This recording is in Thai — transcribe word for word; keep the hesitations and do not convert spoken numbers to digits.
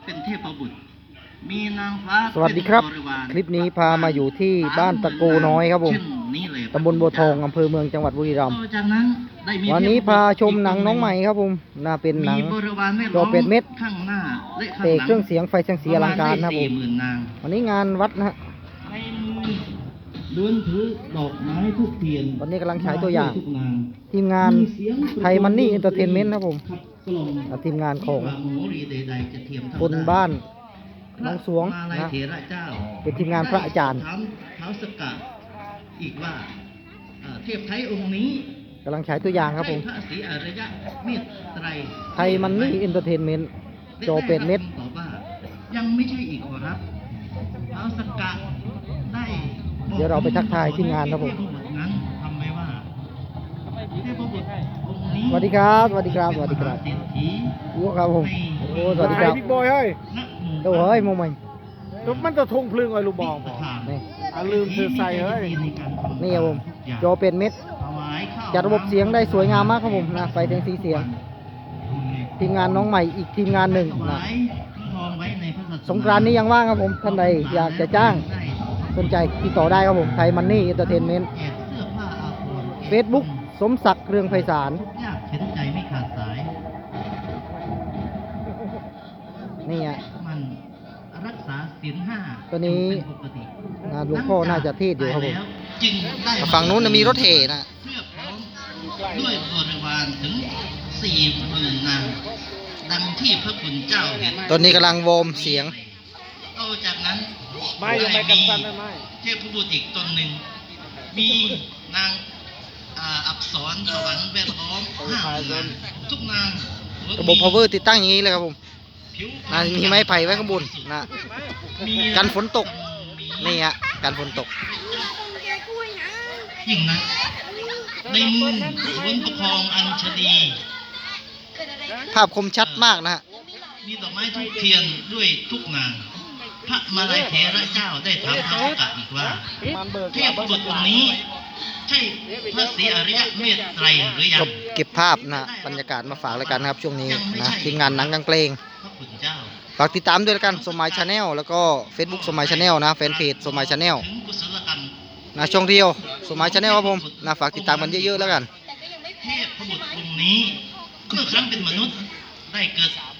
เป็นเทพบุตรมีนางฟ้าสวัสดีครับคลิปนี้พามาอยู่ที่บ้านตะโกน้อยครับผมตำบลบัวทองอำเภอเมืองจังหวัดบุรีรัมย์วันนี้พาชมหนังน้องใหม่ครับผมน่าเป็นหนังจอเป็ดเม็ดเตะเครื่องเสียงไฟเสียงสีอลังการนะครับผมวันนี้งานวัดนะฮะเดินถือดอกไม้ทุกเทียนตอนนี้กำลังฉายตัวอย่างทีมงานไทยมันนี่เอนเตอร์เทนเมนต์นะครับผมทีมงานของคนบ้านน้องสวงนะเป็นทีมงานพระอาจารย์เท้าสกัดอีกว่าเทพไทยองค์นี้กำลังฉายตัวอย่างครับผมพระศรีอริยะเมตไตรไทยมันนี่เอนเตอร์เทนเมนต์จอเป็ดเม็ดยังไม่ใช่อีกขอรับเท้าสกัดได้เดี๋ยวเราไปทักทายทีมงานครับผมสวัสดีครับสวัสดีครับสวัสดีครับวัวครับผมโอ้สวัสดีครับบิ๊กบอยเฮ้ยโอ้เฮ้ยมองมันตุ๊บมันจะทุ่งพลึงไอ้ลูกบอลนี่ลืมเธอใส่เฮ้ยนี่ครับผมจอเป็ดเม็ดจัดระบบเสียงได้สวยงามมากครับผมนะไฟเสียงสีเสียงทีมงานน้องใหม่อีกทีมงานหนึ่งนะสงกรานต์นี้ยังว่างครับผมท่านใดอยากจะจ้างสนใจติดต่อได้ครับผมไทยมันนี่เอนเตอร์เทนเมนต์เฟซบุ๊กสมศักดิ์เรืองไพศาลเห็นใจไม่ขาดสายนี่อ่ะมันรักษาศีลห้าตัวนี้หลวงพ่อน่าจะเทศอยู่ครับผมฝั่งนู้นมีรถเห่นะเพื่อพร้อมด้วยบริวารถึงสี่หมื่นนางดังที่พระคุณเจ้าเห็นตอนนี้กำลังวอร์มเสียงต่อจากนั้นไม่ยังไม่กันสั้นไม่เทพบุตรอีกตนหนึ่งมีนางอักษรสวรรค์แวดล้อมห้านางทุกนางระบบ power ติดตั้งอย่างนี้เลยครับผมนะมีไม้ไผ่ไว้ข้างบนนะกันฝนตกนี่ฮะกันฝนตกยิ่งนะในมือสวนประคองอัญชลีภาพคมชัดมากนะฮะมีดอกไม้ทุกเทียนด้วยทุกนางพระมาลัยเถระเจ้าได้ถามพระโอกาสอีกว่าเทพบุตรองค์นี้ใช่พระศรีอริยะเมตไตรหรือยังเก็บภาพนะบรรยากาศมาฝากรายการนะครับช่วงนี้นะทีมงานหนังกลางเพลงฝากติดตามด้วยกันสมัยชาแนลแล้วก็ Facebook สมัยชาแนลนะแฟนเพจสมัยชาแนลนะช่องเดียวสมัยชาแนลครับผมนะฝากติดตามกันเยอะๆแล้วกันเทพบุตรองค์นี้เมื่อครั้งเป็นมนุษย์ได้เกิด